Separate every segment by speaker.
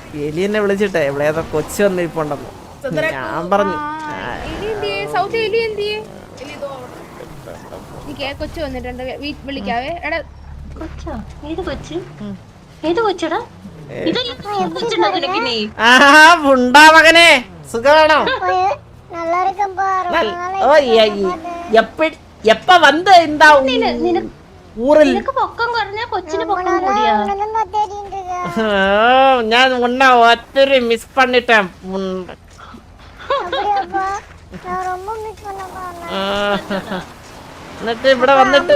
Speaker 1: എലി എന്നെ വിളിച്ചിട്ടെ ഇവിടെ ഏതോ കൊച്ചു വന്നിരിപ്പുണ്ടെന്ന് ഞാൻ പറഞ്ഞു.
Speaker 2: കൊച്ചു വന്നിട്ടുണ്ട് വിളിക്കാവേ. എടാ
Speaker 3: കൊച്ചോ? ഏത് കൊച്ച്? ഏത് കൊച്ചടാ?
Speaker 1: ഉണ്ടാ മകനെ സുഖമാണോ? ഓ എപ്പ വന്ന് എന്താ ഊറിൽ
Speaker 3: പൊക്കം കുറഞ്ഞ കൊച്ചിന് പൊക്കം കൂടിയാ?
Speaker 1: ഞാൻ ഉണ്ണ ഒത്തിരി മിസ് പണിട്ടേൻ. എന്നിട്ട് ഇവിടെ വന്നിട്ട്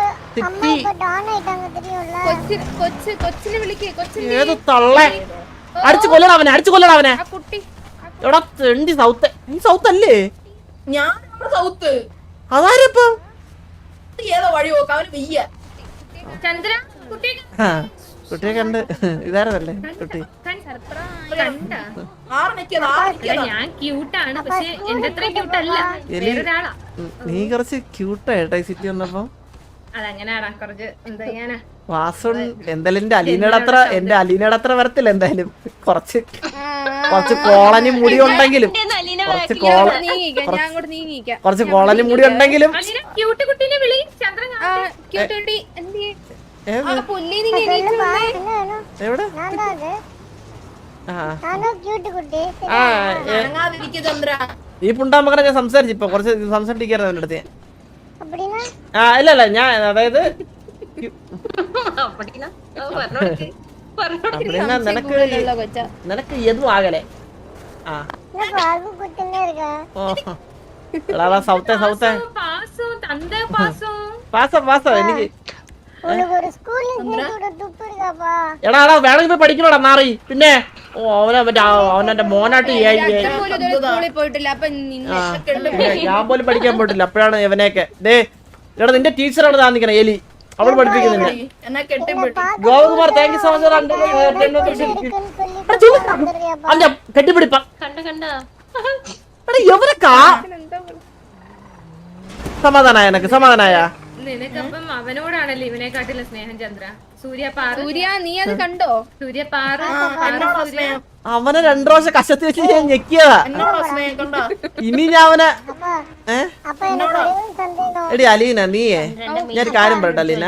Speaker 1: ഏത് തള്ളേ അടിച്ചു കൊല്ലണം അവനെ, അടിച്ചു കൊല്ലണം അവനെ. എവിടെ തെണ്ടി സൗത്ത്? ഈ സൗത്ത് അല്ലേ?
Speaker 4: ഞാൻ സൗത്ത്.
Speaker 1: അതാരപ്പം
Speaker 4: ഏതോ വഴി നോക്കാം അവന് വയ്യ.
Speaker 1: കുട്ടിയെ കണ്ട് ഇതാരതല്ലേ കുട്ടി?
Speaker 2: ഞാൻ ക്യൂട്ടാണ്, പക്ഷെ എന്റെ അത്ര ക്യൂട്ടല്ല, വേറൊരാളാ.
Speaker 1: നീ കുറച്ച് ക്യൂട്ടായിട്ടാ ഈ സിറ്റി വന്നപ്പോ.
Speaker 2: അതങ്ങനെയാടാ, കുറച്ച് എന്താ ചെയ്യാനാ.
Speaker 1: വാസുൺ എന്തായാലും എന്റെ അലീനയുടെ അത്ര വരത്തില്ല. എന്തായാലും കുറച്ച് കോളനി മുടി ഉണ്ടെങ്കിലും കുറച്ച് കോളനി മുടി ഉണ്ടെങ്കിലും എവിടെ ഈ പുണ്ടാമകനെ ഞാൻ സംസാരിച്ചു. ഇപ്പൊ കുറച്ച് സംസാരിക്കായിരുന്നു അവൻ്റെ അടുത്ത്. ഇല്ല ഞാൻ അതായത് നിനക്ക് എതും ആകലെ. സൗത്തേ സൗത്തേ പാസ എനിക്ക് എടാ വേണമെങ്കിൽ പോയി പഠിക്കണോടാ നാറി. പിന്നെ അവനെ മോനായിട്ട് ഞാൻ പോലും പഠിക്കാൻ പോയിട്ടില്ല. അപ്പോഴാണ് ഇവനെയൊക്കെ ദേ എടാ നിന്റെ ടീച്ചറാണ് താന്നിക്കണേ എലി, അവൾ പഠിപ്പിക്കുന്നില്ല. Gopakumar thank you so much. കെട്ടിപ്പിടിപ്പ എവരക്കാ സമാധാനായ എനക്ക് സമാധാനായ.
Speaker 2: നിനക്കപ്പം അവനോടാണല്ലോ ഇവനെക്കാട്ടില്ല സ്നേഹം ചന്ദ്ര. സൂര്യ നീ അത് കണ്ടോ? സൂര്യ
Speaker 1: അവനെ 2 പ്രാവശ്യം കശത്തി വെച്ച് ഞാൻ ഞെക്കിയതാ. ഇനി ഞാൻ അവനെ എടി അലീന നീയേ ഞാനൊരു കാര്യം പറയട്ടെ അലീന.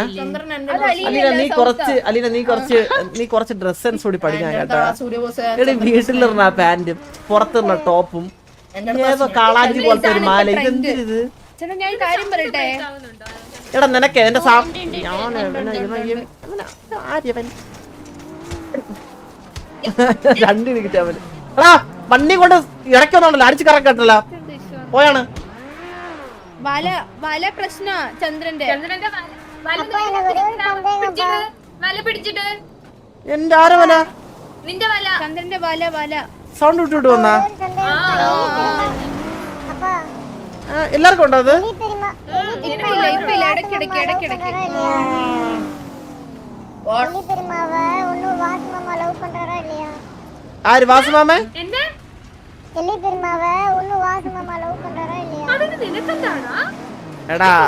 Speaker 1: നീ കുറച്ച് ഡ്രസ് സെൻസ് കൂടി പഠിക്കാൻ കേട്ടോ. എടി വീട്ടിലിരുന്ന പാന്റും പുറത്തിരുന്ന ടോപ്പും ഏതോ കാളാഞ്ചി പോലത്തെ ഒരു മാല, ഇതെന്തിത്?
Speaker 2: ഞാൻ കാര്യം പറയട്ടെ.
Speaker 1: എടാ നിനക്ക് എന്റെ രണ്ട് കിട്ടിയ അവന്. എടാ വണ്ടി കൊണ്ട് ഇടയ്ക്കൊന്നുണ്ടല്ലോ അടിച്ചു കറക്കട്ടല്ലോ പോയാണ്.
Speaker 2: വല പ്രശ്ന ചന്ദ്രന്റെ
Speaker 1: എന്റെ ആരോ വല
Speaker 2: നിന്റെ വല ചന്ദ്രന്റെ വല
Speaker 1: സൗണ്ട് വിട്ടിട്ട് വന്നാ എല്ലാവർക്കും ഉണ്ടോ അത്? ആര് വാസുമാമേ? എടാ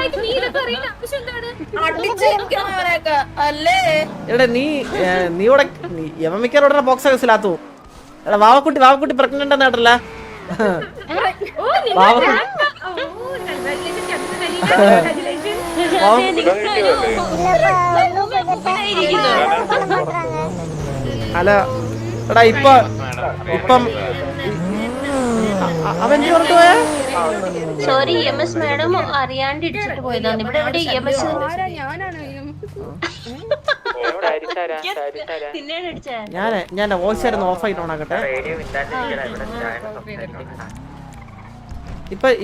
Speaker 1: എടാ നീ ഇവിടെ യവമിക്കാരോടെ ബോക്സ് ഹൗസിലാത്തു. എടാ വാവക്കുട്ടി പ്രഗ്നന്റ് എന്നാട്ടല്ല. ഹലോ എടാ ഇപ്പം അവൻ പറഞ്ഞിട്ട് പോയാ
Speaker 3: സോറി EMS മാഡം അറിയാണ്ട് ഇടിച്ചിട്ട് പോയതാണ്. ഇവിടെ എവിടെ EMS
Speaker 1: ഞാൻ വോയിസ് ആയിരുന്നു ഓഫ് ആയിട്ട് ഓണാക്കട്ടെ. ഇപ്പൊ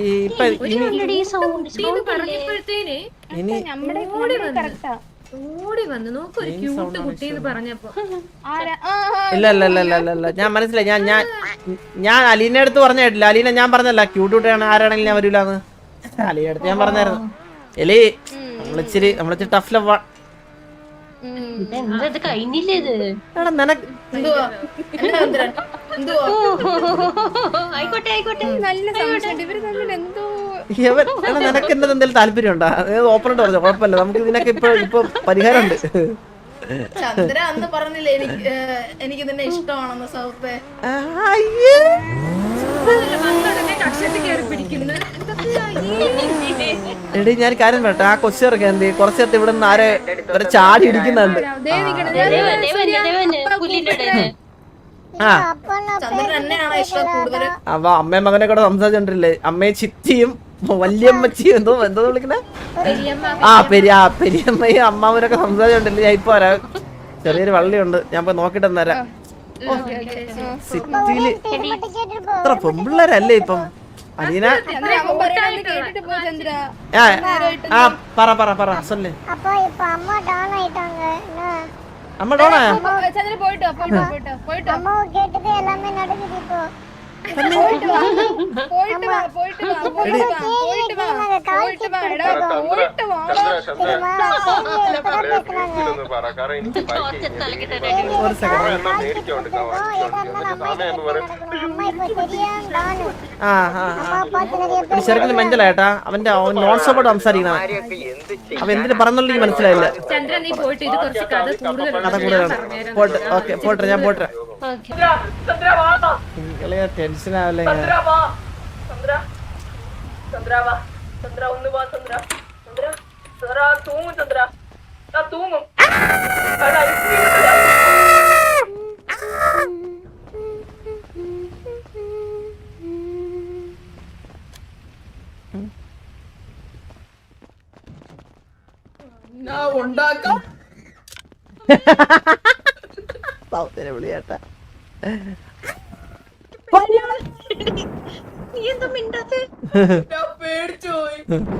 Speaker 1: ഇല്ല ഞാൻ മനസ്സിലായി. ഞാൻ അലീനെ അടുത്ത് പറഞ്ഞ കേട്ടില്ല. അലീന ഞാൻ പറഞ്ഞല്ല ക്യൂട്ടാണ് ആരാണെങ്കിലും ഞാൻ വരൂലെന്ന്. അലീനെ അടുത്ത് ഞാൻ പറഞ്ഞായിരുന്നു എലി നമ്മളിച്ചിരി ടഫ് ലവ്. നിനക്ക് നിനക്ക് എന്നത് എന്തെങ്കിലും താല്പര്യം ഉണ്ടോ? ഓപ്പണായിട്ട് പറഞ്ഞു കുഴപ്പമില്ല, നമുക്ക് ഇതിനൊക്കെ ഇപ്പൊ പരിഹാരം ഉണ്ട്.
Speaker 4: ചന്ദ്ര അന്ന് പറഞ്ഞില്ലേ എനിക്ക് നിന്നെ ഇഷ്ടമാണെന്ന് സൗത്തെ.
Speaker 1: അയ്യേ. എടി ഞാൻ കാര്യം പറയട്ടെ, ആ കൊച്ചിറക്ക എന്ത് കുറച്ച് നേരത്തെ ഇവിടെ നിന്ന് ആരെ ഒരു ചാടി ഇടിക്കുന്നുണ്ട്. ആ
Speaker 4: ചന്ദ്രൻ എന്നെയാണോ ഇഷ്ടം കൂടുതൽ?
Speaker 1: അപ്പൊ അമ്മയും മകനെ കൂടെ സംസാരിച്ചോണ്ടില്ലേ, അമ്മയെ ചിറ്റിയും വല്യമ്മച്ചിയും എന്തോ എന്തോ വിളിക്കണേ, പെരിയമ്മയും അമ്മാവനൊക്കെ സംസാരിച്ചോണ്ടില്ലേ. ഞാൻ ഇപ്പൊ വരാം, ചെറിയൊരു വള്ളിയുണ്ട്, ഞാൻ പോയി നോക്കിട്ട് വരാം. സിറ്റിയില് ഇത്ര പെമ്പിള്ളേരല്ലേ ഇപ്പം. അലീന പറ സൊല്ലേ. அம்மா டோனா
Speaker 2: சந்திர போய்ட்டு அம்மா கேட்டது எல்லாமே நடக்குது இப்போ. போய்ட்டு வா
Speaker 1: ശരിക്കും മനസ്സിലായിട്ടാ, അവന്റെ നോൺ സ്റ്റോപ്പോട്ട് സംസാരിക്കണം. അവൻ എന്തിനു പറഞ്ഞോളൂ മനസ്സിലായില്ല. കഥ കൂടുതലാണ്. പോട്ടെ ഞാൻ പോട്ടെ. ടെൻഷൻ ആവല്ലേ.
Speaker 4: ഉണ്ടാക്കാം
Speaker 1: വിളിയാട്ടാ.
Speaker 4: പേടിച്ചു പോയി.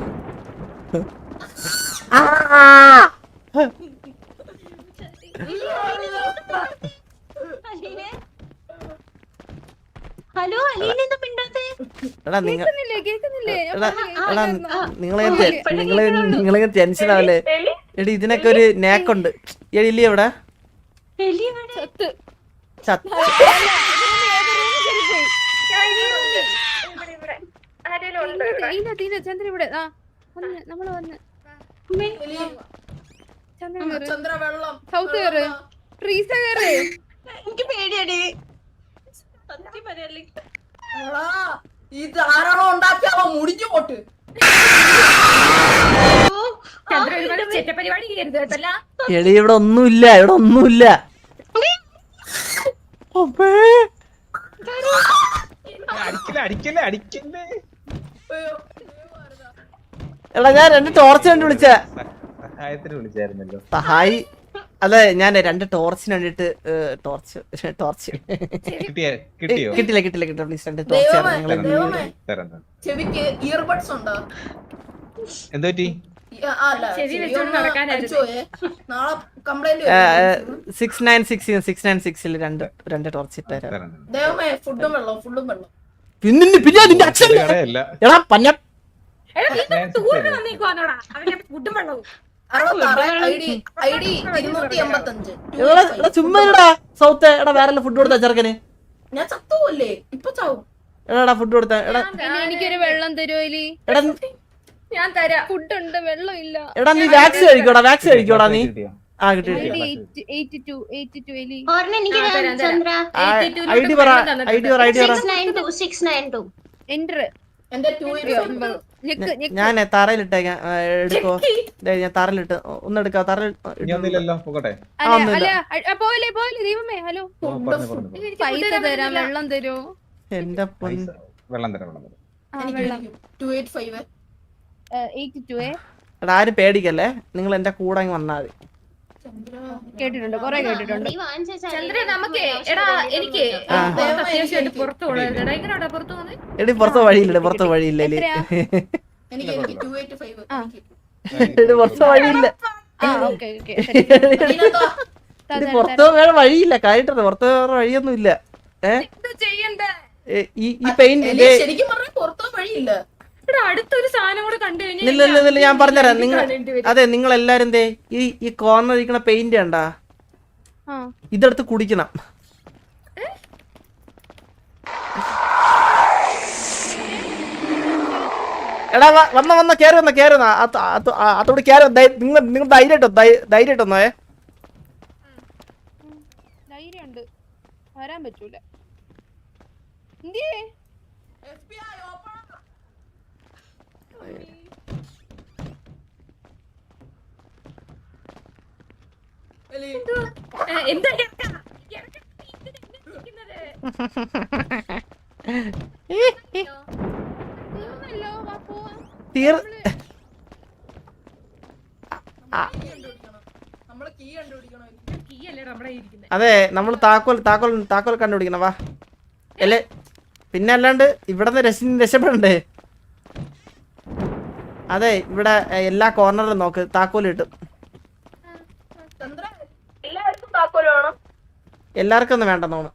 Speaker 3: ഹലോ അലീന എന്താ മിണ്ടാത്തെ?
Speaker 1: നിങ്ങളെ ടെൻഷൻ ആവല്ലേ. എടി ഇതിനൊക്കെ ഒരു നേക്കുണ്ട്. എലി എവിടെ?
Speaker 4: ചന്ദ്ര വെള്ളം
Speaker 3: എനിക്ക് പേടിയാടി.
Speaker 4: ഇത് ആരാണോ ഉണ്ടാക്കിയാവോ മുടിഞ്ഞു പോട്ട്.
Speaker 1: എടി ഇവിടെ ഒന്നുമില്ല, ഇവിടെ ഒന്നുമില്ല. എടാ ഞാൻ 2 ടോർച്ച് കണ്ടു വിളിച്ച സഹായി. അതെ ഞാൻ 2 ടോർച്ചിന് വേണ്ടിട്ട് കിട്ടില്ല പ്ലീസ്. 2 ടോർച്ച്
Speaker 4: ചെവിക്ക് ഇയർബഡ്സ് ഉണ്ടോ?
Speaker 1: എന്തോറ്റി? 696 2 ടോർച്ച് ഇട്ടാരാ. പിന്നെ നിന്റെ അച്ഛൻ എടാ പന്ന ചുമ്മാ സൗത്ത്. എടാ വേറെ ഫുഡ് കൊടുത്താ ചെറുക്കന്.
Speaker 4: ഞാൻ ചത്തുവല്ലേ ഇപ്പൊ ചാവും.
Speaker 1: എടാ ഫുഡ് കൊടുത്താ. എടാ
Speaker 2: എനിക്കൊരു വെള്ളം തരുമോ?
Speaker 1: എടാ
Speaker 2: ഞാൻ തരാം. ഫുഡ് ഉണ്ട്, വെള്ളം ഇല്ല.
Speaker 1: എടാ നീ വാക്സിൻ കഴിക്കോടാ നീ. ആ കിട്ടി. ഐഡി പറ. ഞാൻ തറയിലിട്ടേക്കാം. എടുക്കോ? ഞാൻ തറയിലിട്ട് ഒന്നെടുക്കാം.
Speaker 2: പൈസ തരാം, വെള്ളം തരോ?
Speaker 1: എന്റെ എടാ ആരും പേടിക്കല്ലേ, നിങ്ങൾ എന്റെ കൂടെ വന്നാ മതി.
Speaker 2: കേട്ടിട്ടുണ്ട്, കൊറേ കേട്ടിട്ടുണ്ട്.
Speaker 1: എടി പുറത്ത് വഴിയില്ല, പുറത്ത് വഴിയില്ല. പുറത്ത് വഴിയില്ല, പുറത്ത് വേറെ വഴിയില്ല. കാര്യമായിട്ട് പുറത്ത് വേറെ വഴിയൊന്നും ഇല്ല. ഈ പെയിന്റ്
Speaker 2: അടുത്തൊരു സാധനം കൂടെ കണ്ടു കഴിഞ്ഞാൽ
Speaker 1: ഇല്ല ഞാൻ പറഞ്ഞുതരാം. അതെ നിങ്ങൾ എല്ലാരും എന്തേ ഈ കോർണർ ഇരിക്കണ പെയിന്റ് കണ്ടാ, ഇതെടുത്ത് കുടിക്കണം. എടാ വന്ന കേറി വന്ന അതോട് കേറി. നിങ്ങൾ ധൈര്യമായിട്ടൊന്നേ.
Speaker 5: വരാൻ പറ്റൂല. എന്തിയേ
Speaker 4: FBI open. എലി,
Speaker 2: എന്താ
Speaker 5: തീർന്നല്ലോ. വാ പോവാം.
Speaker 4: നമ്മള് കീ കണ്ടുപിടിക്കണം.
Speaker 2: കീ അല്ലേ നമ്മുടെ ഇരിക്കുന്നത്.
Speaker 1: അതെ നമ്മൾ താക്കോൽ കണ്ടുപിടിക്കണം. വാ അല്ലേ, പിന്നെ അല്ലാണ്ട് ഇവിടെ രക്ഷപ്പെടണ്ടേ? അതെ, ഇവിടെ എല്ലാ കോർണറിലും നോക്ക്, താക്കോൽ കിട്ടും.
Speaker 4: ചന്ദ്ര, എല്ലാവർക്കും താക്കോല് വേണം.
Speaker 1: എല്ലാവർക്കും ഒന്നും വേണ്ടെന്ന് തോന്നുന്നു.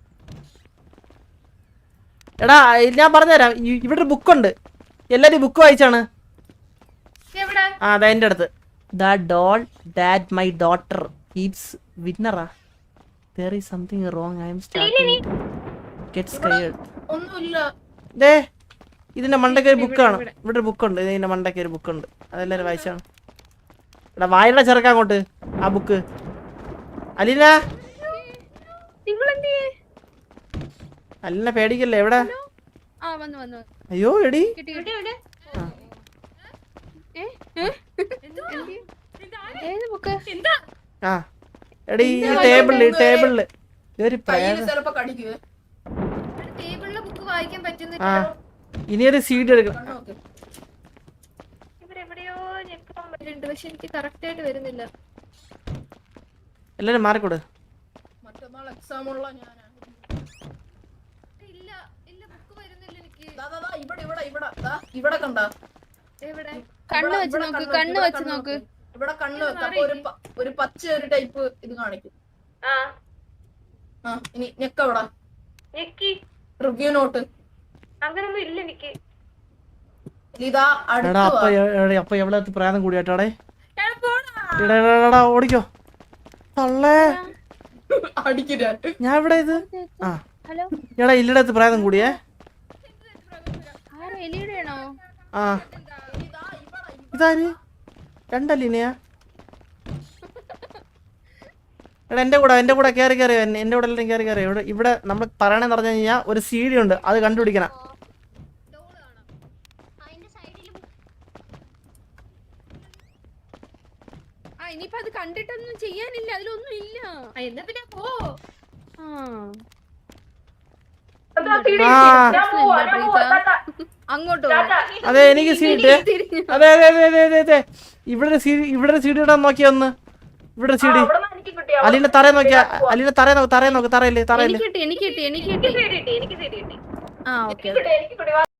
Speaker 1: എടാ ഞാൻ പറഞ്ഞുതരാം, ഇവിടെ ഒരു ബുക്കുണ്ട്. എല്ലാരും ബുക്ക് വായിച്ചാണ്.
Speaker 2: എവിടെ?
Speaker 1: ആ അതെ, എൻ്റെ അടുത്ത്. The doll that my daughter keeps വിന്നറാ. there is something wrong. I am starting to get scared.
Speaker 4: ഒന്നുമില്ല.
Speaker 1: ദേ ഇതിന്റെ മണ്ടയ്ക്ക് ഒരു ബുക്കാണ്. ഇവിടെ ഒരു ബുക്കുണ്ട്. ഇതിന്റെ മണ്ടയ്ക്ക് ഒരു ബുക്കുണ്ട്. അതെല്ലാരും വായിച്ചാണ്. എടാ വായന ചെറുക്കാൻ അങ്ങോട്ട് ആ ബുക്ക്. അലീന, അലീന പേടിക്കല്ലേ? എവിടെ?
Speaker 5: ആ വന്നു വന്നു.
Speaker 1: അയ്യോ എടി,
Speaker 5: കിട്ടി കിട്ടി. ഏത് ബുക്ക്?
Speaker 1: ആ എടി ഈ ടേബിളില് ഒരു
Speaker 4: കയ്യില് ചിലപ്പോ കടിക്കുവേ.
Speaker 2: ടേബിളിലെ ബുക്ക് വായിക്കാൻ പറ്റുന്നില്ല.
Speaker 1: ആ ഇനിയൊരു സീഡ് എടുക്കണം.
Speaker 4: കണ്ണോക്ക്.
Speaker 2: ഇവരെവിടെയോ ഞെക്കാൻ പറ്റുന്നുണ്ട്, പക്ഷെ എനിക്ക് കറക്റ്റ് ആയിട്ട് വരുന്നില്ല.
Speaker 1: എല്ലാരും മാറിക്കൊടു.
Speaker 4: മറ്റന്നാൾ എക്സാം ഉള്ള ഞാനാ.
Speaker 2: ഇല്ല ഇല്ല, ബുക്ക് വരുന്നില്ല എനിക്ക്.
Speaker 4: ദാ, ദാ, ദാ, ഇവിടെ കണ്ടാ?
Speaker 2: എവിടെ?
Speaker 5: കണ്ണ് വെച്ച് നോക്ക്, കണ്ണ് വെച്ച് നോക്ക്.
Speaker 4: ഇവിടെ കണ്ണ് വെക്ക. അപ്പൊ ഒരു പച്ച ഒരു ടൈപ്പ് ഇത് കാണിക്കും. ആ ഇനി ഞെക്കവിടാ. റിവ്യൂ നോട്ട്
Speaker 2: അങ്ങനൊന്നും ഇല്ല എനിക്ക്.
Speaker 4: ഇതാ
Speaker 1: എടാ അപ്പൊ എവിടെ പ്രായം കൂടിയാട്ടാടേ. എടാ ഓടിക്കോ തള്ളേ.
Speaker 4: അടിക്കില്ല.
Speaker 1: ഞാൻ ഇവിടെ ഇത് ആ
Speaker 5: ഹലോ,
Speaker 1: എടാ ഇല്ലടത്ത് പ്രായം കൂടിയേ.
Speaker 5: ആരാ? എലിയുടെയാണോ?
Speaker 1: ആ ഇതാര്? രണ്ടല്ലിനെയാ? എടാ എന്റെ കൂടെ കയറി എന്റെ കൂടെ എല്ലാം കയറി ഇവിടെ നമ്മൾ പറയണെന്ന് പറഞ്ഞു കഴിഞ്ഞാൽ ഒരു സീഡി ഉണ്ട്, അത് കണ്ടുപിടിക്കണം.
Speaker 5: ആ ഇനിയിപ്പോ അത് കണ്ടിട്ടൊന്നും ചെയ്യാനില്ല, അതിലൊന്നും ഇല്ല.
Speaker 2: എന്നാ പിന്നെ പോ.
Speaker 5: ആ
Speaker 1: ആ
Speaker 5: അങ്ങോട്ടോ?
Speaker 1: അതെ എനിക്ക് സീഡ്. അതെ ഇവിടെ ഒരു സീഡി ഇടാൻ നോക്കിയ ഒന്ന്. ഇവിടെ ഒരു സീഡി. അലീന തറ നോക്കിയാ. അലീന തറ നോക്ക്. തറയില്ലേ?
Speaker 5: എനിക്ക് കിട്ടി. ആ ഓക്കെ.